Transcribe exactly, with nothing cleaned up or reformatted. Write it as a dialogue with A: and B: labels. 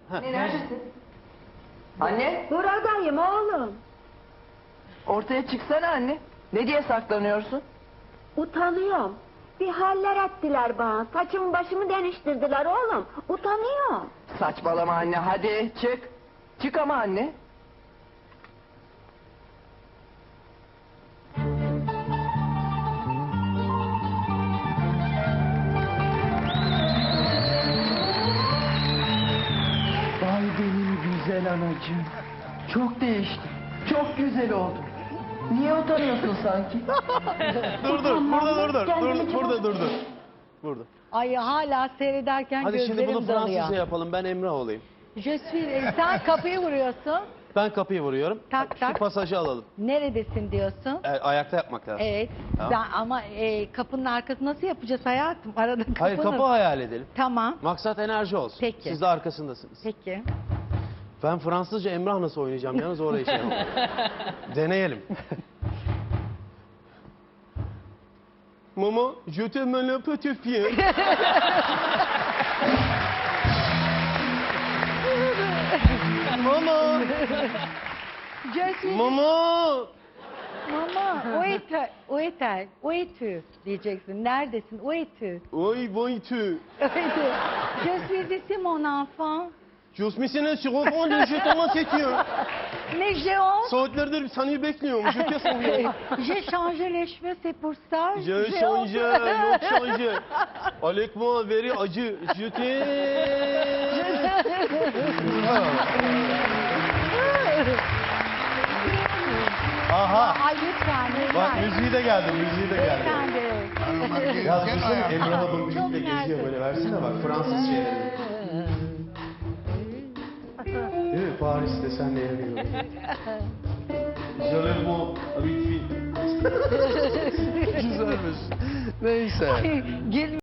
A: Anne neredesin? Anne
B: Buradayım oğlum.
A: ortaya çıksana anne. Ne diye saklanıyorsun?
B: Utanıyorum. Bir haller ettiler bana. Saçımı başımı değiştirdiler oğlum. Utanıyorum.
A: Saçmalama anne, hadi çık. Çık ama anne. Vay benim güzel anacığım. Çok değişti. Çok güzel oldu. Niye utanıyorsun sanki?
C: Dur dur, burada dur dur,
B: Kendimi
C: dur, burada dur dur. Burada.
D: Ay hala seyrederken
C: Hadi
D: gözlerim
C: şimdi bunu
D: doluyor.
C: Fransızca yapalım, ben Emrah olayım.
D: Je suis... e, Sen kapıyı vuruyorsun.
C: Ben kapıyı vuruyorum.
D: Tak,
C: Şu
D: tak.
C: pasajı alalım.
D: Neredesin diyorsun.
C: E, ayakta yapmak lazım.
D: Evet.
C: Tamam.
D: Sen, ama e, kapının arkası nasıl yapacağız hayatım? Arada kapının.
C: Hayır, kapı hayal edelim.
D: Tamam.
C: Maksat enerji olsun.
D: Peki.
C: Siz de arkasındasınız.
D: Peki.
C: Ben Fransızca Emrah nasıl oynayacağım yalnız orayı şey yapalım. Deneyelim. Maman, je t'aime le petit fille. Maman,
D: Je suis...
C: maman.
D: Mama, où est-elle? Où est-elle? Où es-tu? Diyeceksin. Neredesin? Où es-tu?
C: Oy boy tu.
D: Où es-tu? Je suis ici mon enfant.
C: Cosmisine şirofon de je t'aime sekiyor.
D: Mais j'ai honte.
C: Saatlerdir seni bekliyorum. Je te soruyorum.
D: J'ai changé les cheveux, c'est pour ça.
C: Je
D: J'ai
C: change,
D: honte.
C: yok change. Avec moi, very acı. Je Aha.
D: Ay lütfen, lütfen.
C: Bak müziği de geldi, müziği de geldi.
D: Lütfen de.
C: Ya düşünsene Emrah abla
D: Çok
C: müzikle geziyor
D: mersi.
C: böyle, versene bak Fransız şeyleri. Değil mi? Paris'te senle yanıyorum. Jolèvement avec fille. Güzelmiş. Neyse.
D: Gel